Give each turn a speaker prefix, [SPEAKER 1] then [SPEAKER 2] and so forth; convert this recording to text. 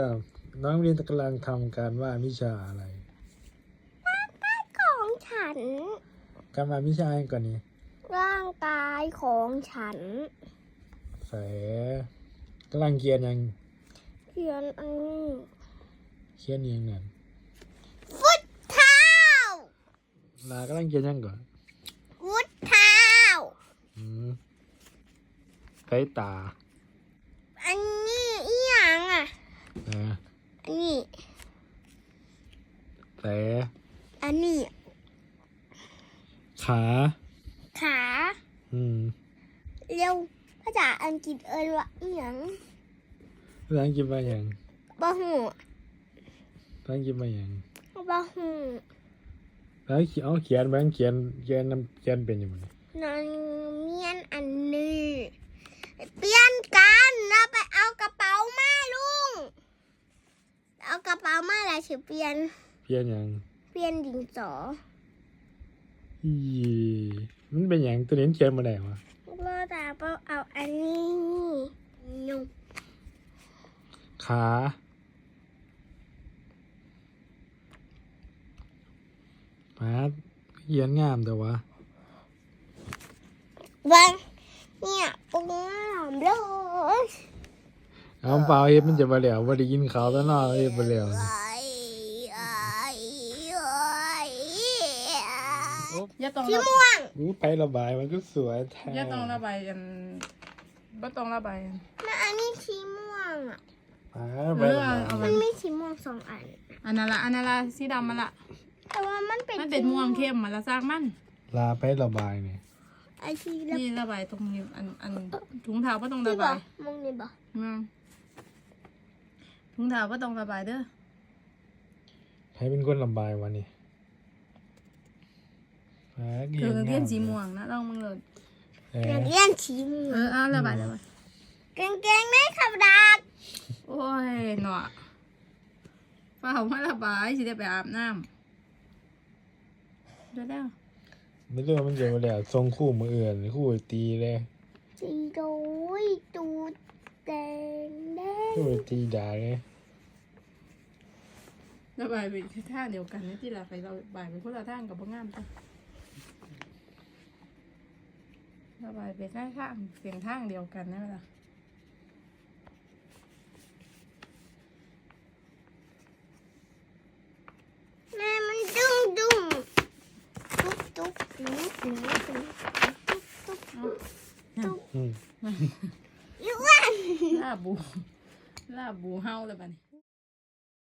[SPEAKER 1] น้องเรียนกำลังทำการว่าวิชาอะไร
[SPEAKER 2] ของฉัน
[SPEAKER 1] การว่าวิชาอะไรก่อนนี้
[SPEAKER 2] ร่างกายของฉัน
[SPEAKER 1] แฝกำลังเขียนยัง
[SPEAKER 2] เขียนอันนี้
[SPEAKER 1] เขียนยังนั่น
[SPEAKER 2] ฟุตเท้า
[SPEAKER 1] ลากำลังเขียนยังก่อน
[SPEAKER 2] ฟุตเท้า
[SPEAKER 1] ใส่ตา
[SPEAKER 2] อันนี้อีหยังอ่ะอันนี้
[SPEAKER 1] แฝ
[SPEAKER 2] อันนี้
[SPEAKER 1] ขา
[SPEAKER 2] เร็วภาษาอังกฤษว่าอีหยัง
[SPEAKER 1] ภาษาอังกฤษว่าอย่าง
[SPEAKER 2] บ่ฮู้
[SPEAKER 1] ภาษาอังกฤษว่าอย่าง
[SPEAKER 2] บ่ฮู้
[SPEAKER 1] แล้วเอาเขียนเขียนเป็นยังไง
[SPEAKER 2] นั่นเมียนอันนี้เปลี่ยนกันเราไปเอากระเป๋ามาลุงเอากระเป๋ามาแล้วสิเปลี่ยน
[SPEAKER 1] ยัง
[SPEAKER 2] เปลี่ยนดินสอ
[SPEAKER 1] มันเป็นอย่างตัวนี้เขียนมาได้วะ
[SPEAKER 2] เราจะเอาอันนี้นุ่ม
[SPEAKER 1] ขาเขียนงามแต่ว่า
[SPEAKER 2] วันเนี่ยปุ้งหอมเลย
[SPEAKER 1] เอาเปล่าเฮ็ดมันจะมาแล้วว่าได้ยินเขาแล้วเนาะเฮ็ดมาแล้ว
[SPEAKER 2] สีม่วง
[SPEAKER 1] ไประบายมันก็สวยแท้
[SPEAKER 3] ย่าต้องระบายกันบ่ต้องระบายกัน
[SPEAKER 2] แล้วอันนี้สีม่วงอ่ะ
[SPEAKER 3] มัน
[SPEAKER 2] มีสีม่วง2 อัน
[SPEAKER 3] อันนั้นละสีดำมันละ
[SPEAKER 2] แต่ว่ามัน
[SPEAKER 3] เป็นม่วงเข้มมันละซากมัน
[SPEAKER 1] ลาไประบายเนี่ย
[SPEAKER 2] ไอที
[SPEAKER 3] นี่ระบายตรงนี้อันถุงเท้าบ่ต้องระบาย
[SPEAKER 2] มองนี่บ่
[SPEAKER 3] ถุงเท้าบ่ต้องระบายเด้อ
[SPEAKER 1] ใครเป็นคนระบายวะนี่
[SPEAKER 3] เรียนสีม่วงนะลองมึงเลย
[SPEAKER 2] เรียนสีม่วง
[SPEAKER 3] เอาระบาย
[SPEAKER 2] เก่งๆได้ขับดาบ
[SPEAKER 3] โอ้ยหนอฝ้ามาระบายสิได้ไปอาบน้ำได้แล้ว
[SPEAKER 1] ไม่รู้มันจะมาแล้วทรงคู่มืออื่นคู่ตีเลย
[SPEAKER 2] ตีโดยตูดแดง
[SPEAKER 1] คู่ตีด่าเลย
[SPEAKER 3] ระบายไปท่าเดียวกันนี่ที่เราไปเราบายไปคนละท่างกับพวกงามจ้ะระบายไปข้างเสียงท่างเดียวกันนั่นแหละ
[SPEAKER 2] แม่มันดุ้งตุ๊บ
[SPEAKER 3] ลาบูเฮาเลยบ้านี่